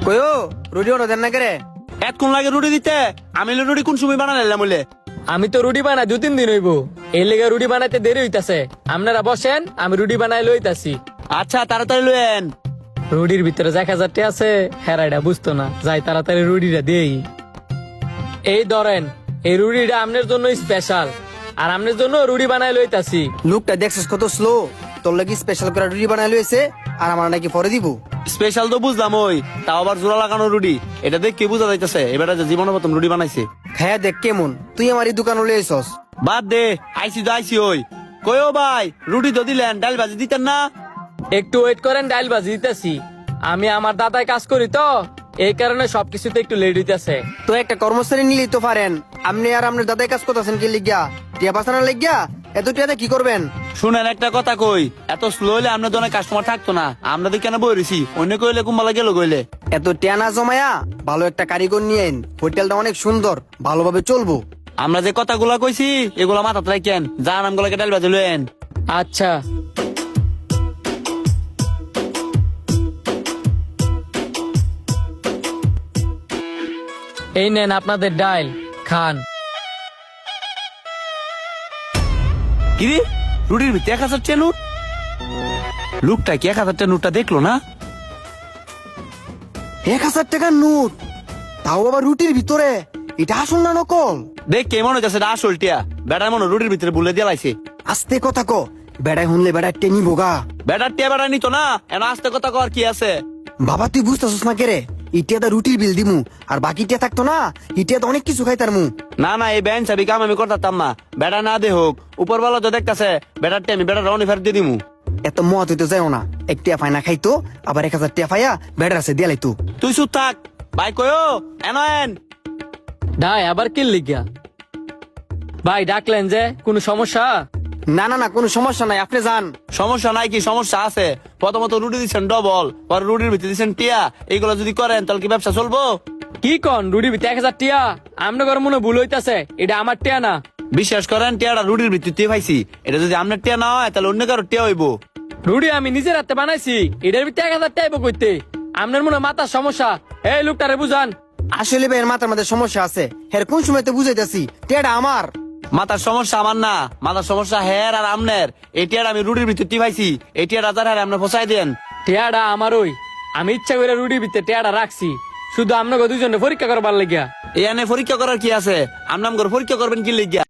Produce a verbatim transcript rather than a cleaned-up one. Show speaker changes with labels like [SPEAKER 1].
[SPEAKER 1] কয়ো রুটি ওটা দেন না করে
[SPEAKER 2] এতক্ষণ লাগে রুটি দিতে? আমি হলে রুটি কোন সময় বানালাম বলে?
[SPEAKER 3] আমি তো রুটি বানাই দু তিন দিন হইব, এর লেগে রুটি বানাইতে দেরি হইতাছে। আপনারা বসেন, আমি রুটি বানাই লইতাছি।
[SPEAKER 2] আচ্ছা তাড়াতাড়ি লয়েন।
[SPEAKER 3] রুটির ভিতরে এক হাজারটি আছে, হেরাইটা বুঝতো না, যাই তাড়াতাড়ি রুটিটা দেই। এই ধরেন, এই রুটিটা আপনার জন্য স্পেশাল, আর আপনার জন্য রুটি বানাই লইতাছি।
[SPEAKER 1] লোকটা দেখছিস কত স্লো, তোর লাগি স্পেশাল করে রুটি বানাই লইছে আর আমার নাকি পরে দিব।
[SPEAKER 2] স্পেশাল তো বুঝলাম, ওই তাও আবার জোড়া লাগানো রুটি, এটা দেখ কে বুঝা যাইতেছে এবার যে জীবনের প্রথম রুটি বানাইছে।
[SPEAKER 1] হ্যাঁ দেখ কেমন, তুই আমার এই দোকানে লইছস।
[SPEAKER 2] বাদ দে, আইসি তো আইসি। ওই কয়ো ভাই, রুটি তো দিলেন, ডাল ভাজি দিতেন না?
[SPEAKER 3] একটু ওয়েট করেন, ডাইল বাজি দিতেছি। আমি আমার দাদায় কাজ করি তো, এই কারণে সবকিছুতে একটু লেট হইতেছে।
[SPEAKER 1] তো একটা কর্মচারী নিলেই তো পারেন। আপনি আর আপনার দাদাই কাজ করতেছেন কি লিগা? টিয়া বাসানোর লিগা? এত টিয়াতে কি করবেন?
[SPEAKER 2] শুনেন একটা কথা কই, এত স্লো হলে আপনার জন্য কাস্টমার থাকতো না। আমরা তো কেন বই রয়েছি, অন্য কইলে কুম্বালা গেল কইলে।
[SPEAKER 1] এত টিয়া না জমায়া ভালো একটা কারিগর নিয়ে আইন, হোটেলটা অনেক সুন্দর, ভালোভাবে চলবো।
[SPEAKER 2] আমরা যে কথাগুলা কইছি এগুলা মাথাতে রাখেন, যা নামগুলাকে ডাল ভাজি লয়েন।
[SPEAKER 3] আচ্ছা, এই নেন আপনাদের ডাইল, খান।
[SPEAKER 2] কিরে, রুটির ভিতরে এক হাজার টাকা নোট? লোকটা কি এক হাজার টাকা নোটটা দেখলো না?
[SPEAKER 1] এক হাজার টাকার নোট, তাও আবার রুটির ভিতরে। এটা আসল না নকল?
[SPEAKER 2] দেখ কে মনে হচ্ছে এটা আসল টিয়া। বেটার মনে রুটির ভিতরে বুলে দিয়ে লাইছে।
[SPEAKER 1] আস্তে কথা ক, বেড়াই শুনলে বেড়াই টেনি বোগা।
[SPEAKER 2] বেটার টিয়া বেটা নিত না, এন আস্তে কথা কর কি আছে।
[SPEAKER 1] বাবা তুই বুঝতেছিস না কেরে? ইটিয়াটা রুটির বিল দিমু, আর বাকি টিয়া থাকতো না, ইটিয়াতে অনেক কিছু খাইতার মু।
[SPEAKER 2] না না, এই ব্যান চাবি কাম আমি করতাম না। বেটা না দে হোক, উপর বেলা তো দেখতেছে বেটার টিয়া, আমি বেটার রনি ফেরত দিয়ে দিমু।
[SPEAKER 1] এত মত হইতে যাও না, এক টিয়া ফাইনা খাইতো, আবার এক হাজার টিয়া ফাইয়া বেড়ার আছে দিয়ে লাইতো।
[SPEAKER 2] তুই চুপ থাক ভাই, কয়ো এন এন।
[SPEAKER 3] ডাই আবার কি লিগা? ভাই ডাকলেন যে, কোনো সমস্যা?
[SPEAKER 1] না না না, কোনো সমস্যা নাই, আপনি যান।
[SPEAKER 2] সমস্যা নাই কি, সমস্যা আছে। প্রথমত রুটি দিচ্ছেন ডবল, পরে রুটির ভিতরে দিচ্ছেন টিয়া। এইগুলো যদি করেন তাহলে কি ব্যবসা চলবো?
[SPEAKER 3] কি কন, রুটি ভিতরে এক হাজার টিয়া? আপনার মনে ভুল হইতাছে, এটা আমার টিয়া না।
[SPEAKER 2] বিশ্বাস করেন, টিয়াটা রুটির ভিত্তিতে পাইছি। এটা যদি আপনার টিয়া না হয় তাহলে অন্য কারো টিয়া হইব।
[SPEAKER 3] রুটি আমি নিজের হাতে বানাইছি, এটার ভিতরে এক হাজার টাইব করতে। আপনার মনে হয় মাথার সমস্যা, এই লোকটারে বুঝান।
[SPEAKER 1] আসলে ভাই এর মাথার মধ্যে সমস্যা আছে, হের কোন সময় তো বুঝাইতেছি টিয়াটা আমার।
[SPEAKER 2] মাথার সমস্যা আমার না, মাথার সমস্যা হের আর আমনের। এই টিয়াটা আমি রুটির ভিত্তিতে পাইছি, এই টিয়াটা যার হারে আপনি ফসাই দেন।
[SPEAKER 3] টিয়াটা আমার, ওই আমি ইচ্ছা করে রুটির ভিতরে টিয়াটা রাখছি, শুধু আপনাকে দুজনে পরীক্ষা করবার লাগিয়া।
[SPEAKER 2] এখানে পরীক্ষা করার কি আছে? আপনার পরীক্ষা করবেন কি লিখিয়া?